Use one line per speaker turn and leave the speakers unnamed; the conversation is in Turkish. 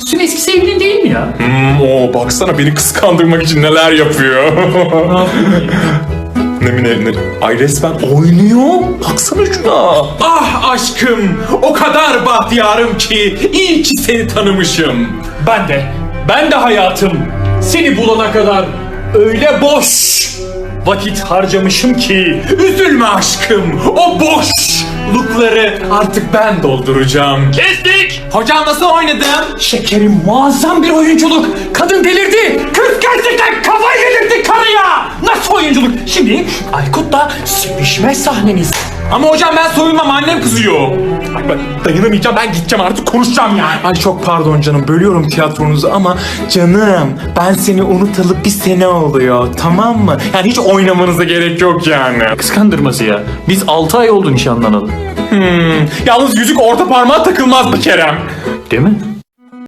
Senin eski sevgilin değil mi ya?
Baksana beni kıskandırmak için neler yapıyor. Ne? Ay resmen oynuyor. Baksana şuna.
Ah aşkım, o kadar bahtiyarım ki iyi ki seni tanımışım. Ben de hayatım seni bulana kadar öyle boş vakit harcamışım ki üzülme aşkım. O boşlukları artık ben dolduracağım.
Kestik!
Hocam nasıl oynadım?
Şekerim muazzam bir oyunculuk. Kadın delirdi. Kız gerçekten kafayı yedirdi karıya. Nasıl oyunculuk? Şimdi Aykut'la sevişme sahneniz.
Ama hocam ben soyunmam, annem kızıyor.
Ay ben dayanamayacağım, ben gideceğim artık, konuşacağım yani.
Ay çok pardon canım, bölüyorum tiyatronuzu ama canım ben seni unutalı bir sene oluyor, tamam mı? Yani hiç oynamanıza gerek yok yani.
Kıskandırması ya. Biz 6 ay oldu nişanlanalı.
Yalnız yüzük orta parmağa takılmaz bir Kerem.
Değil mi?